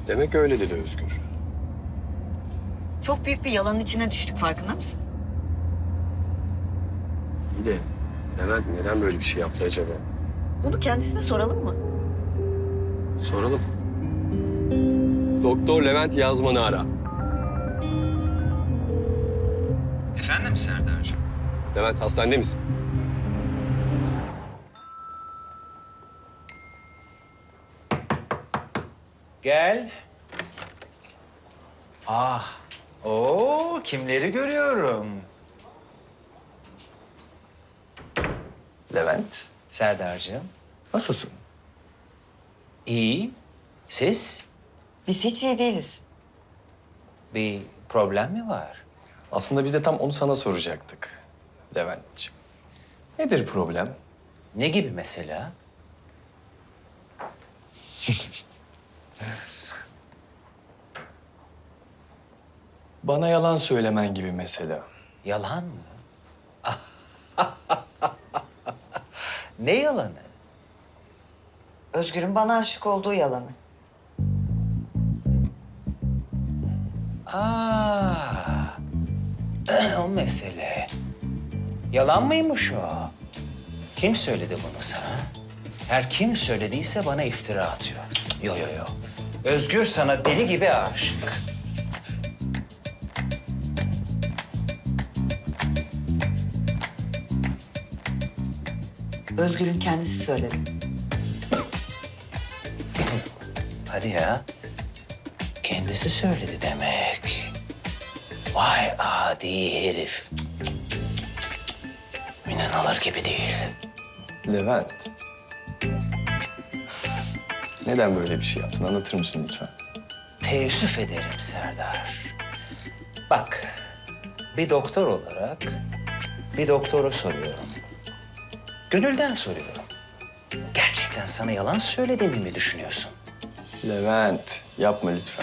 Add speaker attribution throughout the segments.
Speaker 1: Demek öyle dedi Özgür.
Speaker 2: Çok büyük bir yalanın içine düştük, farkında mısın?
Speaker 1: İyi de Levent neden böyle bir şey yaptı acaba?
Speaker 2: Bunu kendisine soralım mı?
Speaker 1: Soralım. Doktor Levent Yazman'ı ara.
Speaker 3: Efendim Serdar'cığım?
Speaker 1: Levent hastanede misin?
Speaker 3: Gel. Kimleri görüyorum?
Speaker 1: Levent.
Speaker 3: Serdar'cığım.
Speaker 1: Nasılsın?
Speaker 3: İyi. Siz?
Speaker 2: Biz hiç iyi değiliz.
Speaker 3: Bir problem mi var?
Speaker 1: Aslında biz de tam onu sana soracaktık Levent'ciğim. Nedir problem?
Speaker 3: Ne gibi mesela?
Speaker 1: Bana yalan söylemen gibi mesela.
Speaker 3: Yalan mı? Ne yalanı?
Speaker 2: Özgür'ün bana aşık olduğu yalanı.
Speaker 3: O mesele. Yalan mıymış o? Kim söyledi bunu sana? Her kim söylediyse bana iftira atıyor. Yo. Özgür sana deli gibi aşık.
Speaker 2: Özgür'ün kendisi söyledi.
Speaker 3: Hadi ya. Kendisi söyledi demek. Vay adi herif. İnanılır gibi değil.
Speaker 1: Levent. Neden böyle bir şey yaptın? Anlatır mısın lütfen?
Speaker 3: Teessüf ederim Serdar. Bak, bir doktor olarak bir doktora soruyorum. Gönülden soruyorum. Gerçekten sana yalan söylediğimi mi düşünüyorsun?
Speaker 1: Levent, yapma lütfen.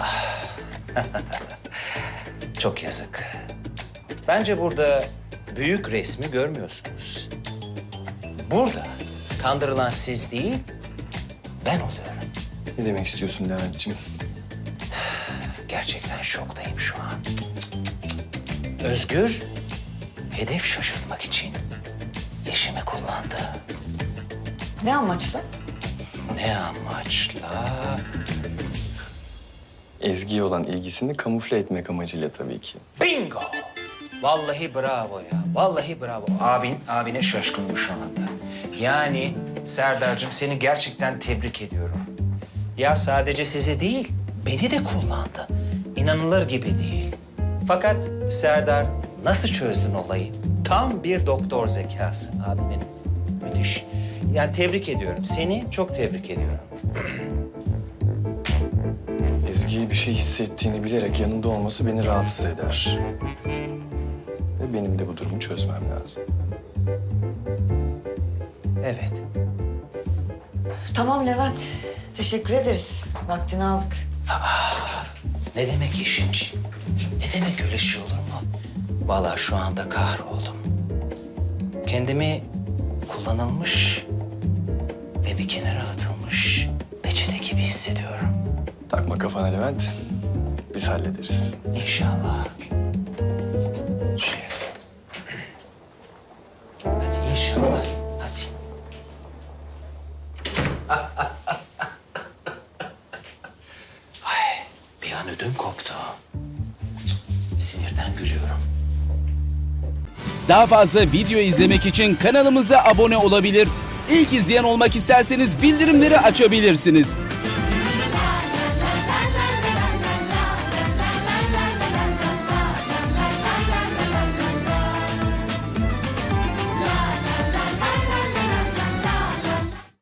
Speaker 3: Çok yazık. Bence burada büyük resmi görmüyorsunuz. Burada kandırılan siz değil, ben oluyorum.
Speaker 1: Ne demek istiyorsun Levent'ciğim?
Speaker 3: Gerçekten şoktayım şu an. Özgür, hedef şaşırtmak için eşimi kullandı.
Speaker 2: Ne amaçla?
Speaker 3: Ne amaçla?
Speaker 1: Ezgi'ye olan ilgisini kamufle etmek amacıyla tabii ki.
Speaker 3: Bingo! Vallahi bravo ya. Vallahi bravo. Abine şaşkınım şu anda. Yani Serdar'cığım seni gerçekten tebrik ediyorum. Ya sadece sizi değil, beni de kullandı. İnanılır gibi değil. Fakat Serdar nasıl çözdün olayı? Tam bir doktor zekası abinin. Müthiş. Yani tebrik ediyorum. Seni çok tebrik ediyorum.
Speaker 1: Ezgi'ye bir şey hissettiğini bilerek yanında olması beni rahatsız eder. Ve benim de bu durumu çözmem lazım.
Speaker 3: Evet.
Speaker 2: Tamam Levent, teşekkür ederiz. Vaktini aldık.
Speaker 3: Ne demek işinci? Ne demek öyle şey olur mu? Vallahi şu anda kahroldum. Kendimi kullanılmış ve bir kenara atılmış peçete gibi hissediyorum.
Speaker 1: Takma kafana Levent. Biz hallederiz.
Speaker 3: İnşallah. Hadi inşallah. Hadi. Ay, bir an ödüm koptu. Sinirden gülüyorum.
Speaker 4: Daha fazla video izlemek için kanalımıza abone olabilir. İlk izleyen olmak isterseniz bildirimleri açabilirsiniz.